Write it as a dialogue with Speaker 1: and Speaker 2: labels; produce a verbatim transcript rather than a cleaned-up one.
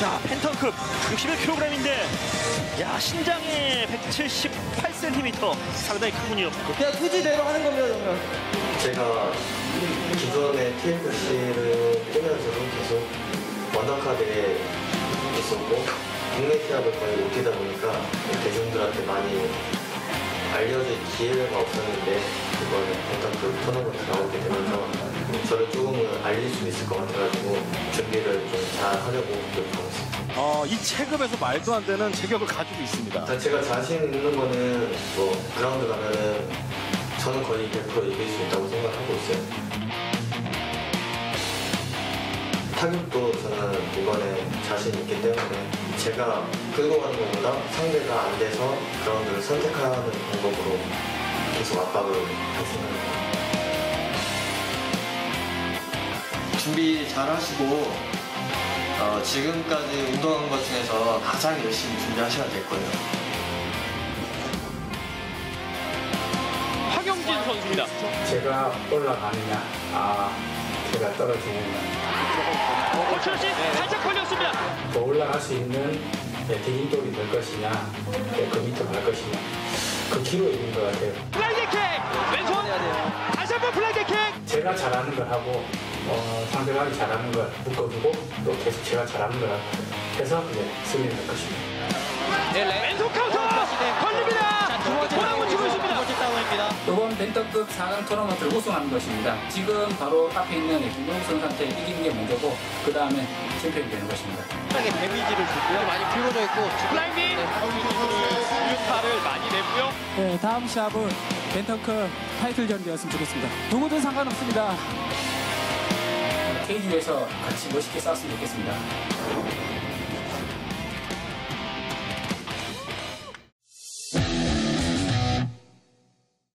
Speaker 1: 자, 펜턴급 육십일 킬로그램인데 야, 신장에 백칠십팔 센티미터 상당히 크군요.
Speaker 2: 그냥 투지대로 하는 겁니다, 그러면.
Speaker 3: 제가 기존의 티에프씨를 뛰면서도 계속 원더카드에 있었고 국내 시합을 거의 못 뛰다 보니까 대중들한테 많이 알려질 기회가 없었는데 이번에 펜턴급 토너먼트 나오게 되면서 저를 조금은 알릴 수 있을 것 같아가지고 준비를 좀 잘 하려고 노력하고 있습니다.
Speaker 4: 어, 이 체급에서 말도 안 되는 체격을 가지고 있습니다.
Speaker 3: 제가 자신 있는 거는 뭐 그라운드 가면은 저는 거의 백 퍼센트 이길 수 있다고 생각하고 있어요. 타격도 저는 이번에 자신 있기 때문에 제가 끌고 가는 것보다 상대가 안 돼서 그라운드를 선택하는 방법으로 계속 압박을 할 생각입니다.
Speaker 2: 준비 잘 하시고 어, 지금까지 운동한 것 중에서 가장 열심히 준비하셔야 될 거예요.
Speaker 1: 황영진 선수입니다.
Speaker 5: 제가 올라가느냐, 아, 제가 떨어지느냐.
Speaker 1: 고철씨 살짝 걸렸습니다.
Speaker 5: 더 올라갈 수 있는 디딤돌이 될 것이냐, 그 밑으로 갈 것이냐. 그 기로에 있는 것 같아요.
Speaker 1: 플라이킥! 왼손! 다시 한번 플라이킥!
Speaker 5: 제가 잘하는 걸 하고, 어, 상대방이 잘하는 걸 묶어두고, 또 계속 제가 잘하는 걸 해서 이제 승리를 할 것입니다.
Speaker 1: 왼손 카운터! 걸립니다! 보람을 주고 있습니다.
Speaker 6: 이번 벤터급 사 강 토너먼트를 우승하는 것입니다. 지금 바로 앞에 있는 김동욱 선수한테 이기는 게 먼저고 그 다음에 챔피언이 되는 것입니다.
Speaker 2: 상당히 데미지를 줬고요. 많이 피곤해 있고
Speaker 1: 플라이밍! 유타를 많이 내고요.
Speaker 7: 네, 다음 시합은 벤터급 타이틀전이었으면 좋겠습니다. 누구든 상관없습니다.
Speaker 6: 케이지에서 같이 멋있게 싸웠으면 좋겠습니다.